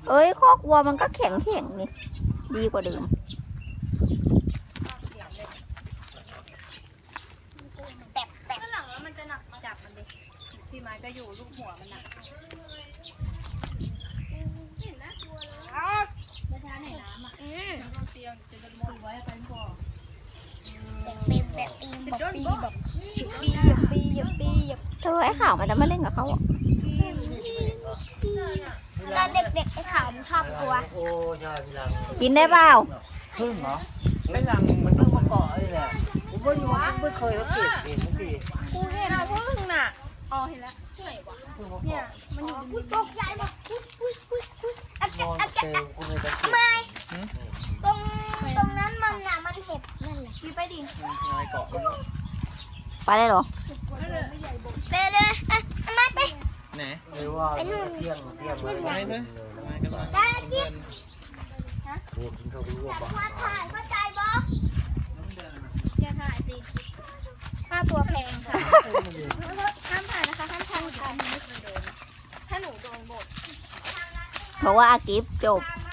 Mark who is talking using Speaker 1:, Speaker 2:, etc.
Speaker 1: เอ้ยคอกวัวมันก็แข็งนี่ดีกว่าเดิม
Speaker 2: ข้างหลังแล้วมันจะหนักจับมันดิพี่ไม้ก็อยู่ลูกหัวมันหนักเห็นนะกลัวเลยจะทานในน้ำอ่ะเตียงจะมองไว้ไปก่อน
Speaker 1: เธอไอ้ข่าวมันจะมาเล่นกับเขาอ่ะ
Speaker 3: ตอนเด็กๆไอ้ขาวมันชอบกลัว
Speaker 4: โอ้ใช่พี่ลัง
Speaker 1: กินได้เปล่า
Speaker 4: พึ่งเหรอไม่ลังมันเพิ่งมาเกาะนี่แหละผมว่าอยู่ไม่เคยสังเกตเองทุกที
Speaker 2: กูเห็นพึ่งน่ะอ๋อเห็นแล้วไหนวะ
Speaker 4: เพิ่งมา
Speaker 2: เนี่ย
Speaker 4: เกาะ
Speaker 2: มันอยู่
Speaker 3: ตกใจบอกอะแกะ
Speaker 4: นอน
Speaker 3: อะ
Speaker 4: เจ
Speaker 3: แกะ
Speaker 4: อคุณเลยสังเกต
Speaker 3: ไม่ตรงนั้นมันน่ะมันเห็บนั่นแหละ
Speaker 2: พี่ไปดิ
Speaker 4: นายเกาะ
Speaker 1: ไปได้เหรอ
Speaker 3: ไปเลยมาไป
Speaker 4: ไหนหรือว่าเที่ยงไปเลยไปกันเลย
Speaker 3: ได้กิ๊บ
Speaker 4: โอ้กินข้าวรู้
Speaker 3: แต่
Speaker 4: ป่ะ
Speaker 3: พอถ่ายเข้าใจบ่
Speaker 2: แกถ่ายสิค่าตัวแพงค่ะห้ามถ่ายนะคะห้ามถ่ายค่ะถ้าหนูโดนบท
Speaker 1: เพราะว่าอากิฟจบ
Speaker 3: ตาม